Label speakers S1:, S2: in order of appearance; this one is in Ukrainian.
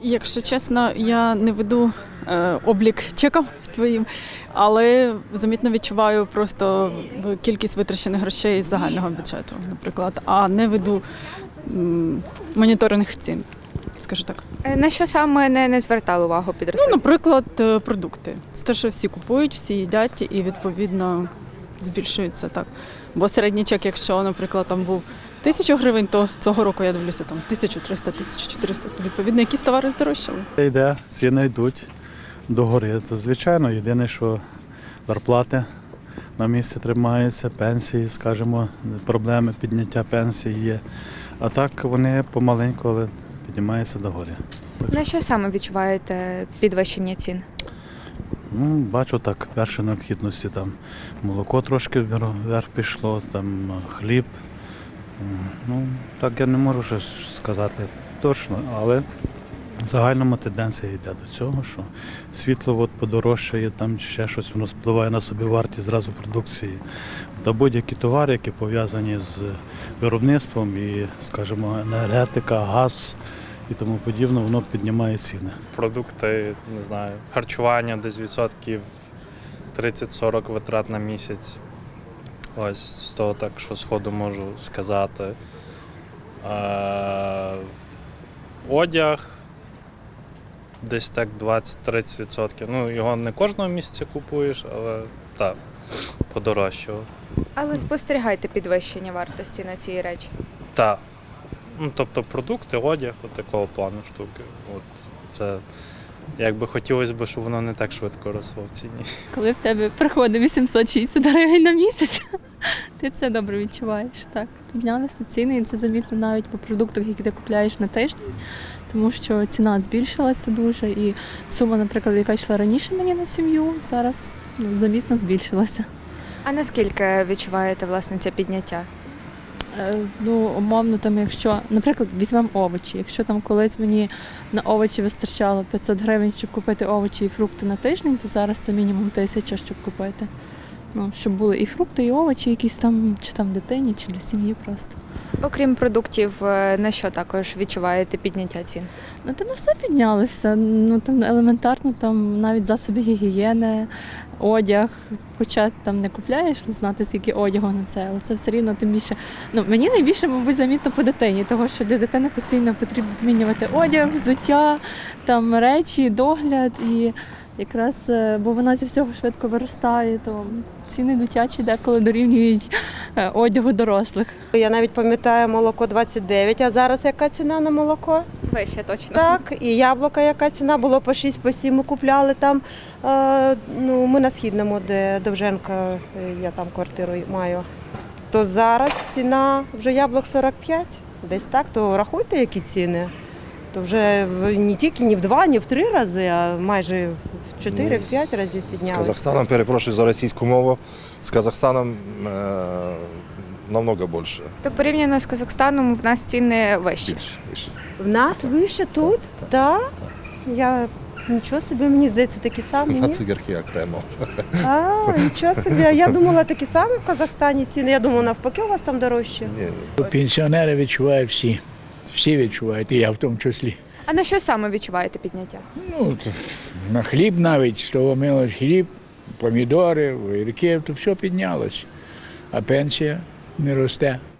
S1: Якщо чесно, я не веду облік чеком своїм, але замітно відчуваю просто кількість витрачених грошей з загального бюджету, наприклад, а не веду моніторинг цін, скажу так.
S2: На що саме не звертали увагу підрозділ?
S1: Наприклад, продукти. Це те, що всі купують, всі їдять і, відповідно, збільшується так. Бо середній чек, якщо, наприклад, там був 1000 гривень, то цього року я дивлюся там 1300, 1400. Відповідно, якісь товари здорожчали.
S3: Йде, ціни йдуть догори. То, звичайно, єдине, що зарплати на місці тримаються, пенсії, скажімо, проблеми підняття пенсії є. А так вони помаленьку, але піднімаються догори.
S2: На що саме відчуваєте підвищення цін?
S3: Бачу так, перші необхідності, там молоко трошки вверх пішло, там хліб. Так я не можу ще сказати точно, але в загальному тенденція йде до цього, що світло подорожчає, там ще щось, воно впливає на собівартість зразу продукції. Та будь-які товари, які пов'язані з виробництвом і, скажімо, енергетика, газ і тому подібне, воно піднімає ціни.
S4: Продукти, не знаю, харчування десь відсотків 30-40 витрат на місяць. Ось з того так, що сходу можу сказати. Одяг десь так 20-30%. Його не кожного місяця купуєш, але так, подорожчало.
S2: Але спостерігайте підвищення вартості на ці речі.
S4: Так. Тобто продукти, одяг, от такого плану штуки. Це якби хотілося б, щоб воно не так швидко росло в ціні.
S5: Коли в тебе приходить 860 гривень на місяць, ти це добре відчуваєш. Так, піднялися ціни, і це замітно навіть по продуктах, які ти купуєш на тиждень, тому що ціна збільшилася дуже, і сума, наприклад, яка йшла раніше мені на сім'ю, зараз замітно збільшилася.
S2: А наскільки відчуваєте, власне, це підняття?
S5: Умовно, там, якщо, наприклад, візьмемо овочі. Якщо там колись мені на овочі вистачало 500 гривень, щоб купити овочі і фрукти на тиждень, то зараз це мінімум 1000, щоб купити. Щоб були і фрукти, і овочі якісь там, чи там дитині, чи для сім'ї просто.
S2: Окрім продуктів, на що також відчуваєте підняття цін?
S5: Там все піднялося. Там елементарно, там навіть засоби гігієни, одяг. Хоча там не купляєш, не знати, скільки одягу на це, але це все рівно тим більше. Мені найбільше, мабуть, замітно по дитині, тому що для дитини постійно потрібно змінювати одяг, взуття, там речі, догляд. І якраз, бо вона зі всього швидко виростає, то ціни дитячі деколи дорівнюють одягу дорослих.
S6: Я навіть пам'ятаю, молоко 29, а зараз яка ціна на молоко?
S2: Вище точно.
S6: Так, і яблука яка ціна, було по 6, по 7 ми купляли там. Ми на Східному, де Довженка, я там квартиру маю. То зараз ціна вже яблук 45, десь так, то рахуйте, які ціни. То вже не тільки не в 2, не в 3 рази, а майже в 4-5 разів
S7: З
S6: піднялися.
S7: Казахстаном, перепрошую за російську мову, з Казахстаном намного більше.
S2: То порівняно з Казахстаном в нас ціни вищі.
S7: Більше.
S6: В нас вище тут? Так. Я нічого собі, мені здається, такі самі.
S7: На
S6: Ні?
S7: цигарки окремо.
S6: Нічого собі. Я думала, такі самі в Казахстані ціни. Я думала, навпаки, у вас там дорожче.
S8: Пенсіонери відчувають всі. Всі відчувають, і я в тому числі.
S2: А на що саме відчуваєте підняття?
S8: На хліб навіть, з того мило хліб, помідори, огірки, то все піднялось. А пенсія не росте.